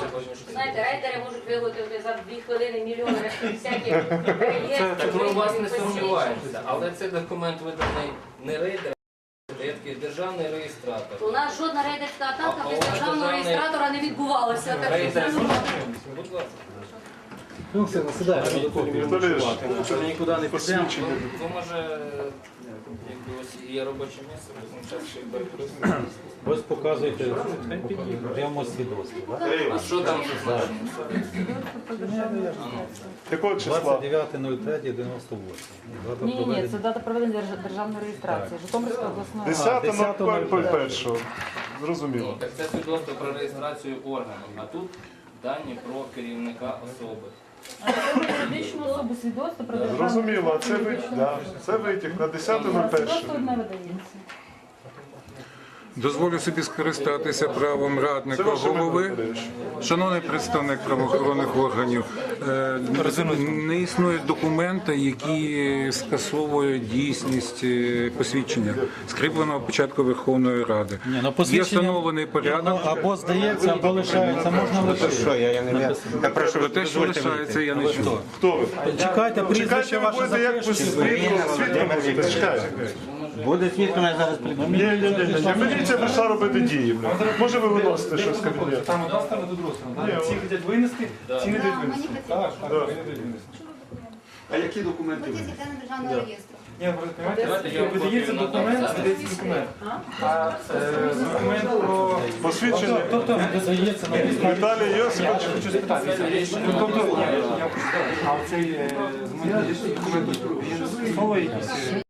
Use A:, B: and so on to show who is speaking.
A: Знаєте, рейдери можуть виготовити за 2 хвилини мільйони всяких реєстрів.
B: Так ми у вас не сумніваємося, але цей документ виданий не рейдером, а як державний реєстратор.
A: У нас жодна рейдерська атака без державного реєстратора не відбувалася. Так що
B: Рейдер,
A: це нормально.
B: будь ласка.
C: Ну, все, насідаємо,
D: Віталій,
C: нікуди не підемо.
B: Ну, може, якби ось є робоче місце, ми час ще й перекористаємо.
E: Ось показуєте прямо свідоцтво. Так?
B: А що там зазначено?
D: Якого числа?
E: 29.03.98.
F: Ні, це дата проведення державної реєстрації. Житомирська обласної ради.
D: 10.01. Зрозуміло.
B: Так це свідоцтво про реєстрацію органу, а тут дані про керівника особи.
F: А це юридичну особу свідоцтво про державну
D: Зрозуміло, а
F: реєстрацію.
D: це витяг на
F: Свідоцтво
D: 10.01.
F: одне видається.
G: Дозволю собі скористатися правом
D: Це
G: радника
D: ваше
G: голови.
D: Дмитро.
G: Шановний представник правоохоронних органів, не існує документа, які скасовують дійсність посвідчення, скріпленого початку Верховної Ради. Є встановлений порядок.
E: Або здається, або лишається, можна лишити.
G: Я прошу, про те, що лишається, я не чую.
D: Хто ви?
E: Чекайте, прізвище
D: Чекайте, ви
E: ваше
D: будете як ви свідком будете. Чекайте.
C: Буде свідком, я зараз прийду.
D: Ні. Міліція прийшла робити дії. Може ви виносите щось з кабінету?
C: Там одна сторона, тут друга сторона. Ці хочуть винести, ці не дають винести. Так, вони дають винести.
H: А які документи ви?
A: Державного реєстру.
C: Ні, розумієте, видається документ, а документ про...
D: Посвідчення?
C: Тобто видається на підставі...
D: Віталій Йосипович.
C: Хочу спитати. Тобто, я хочу спитати, а оцей документ, він скасовує якісь...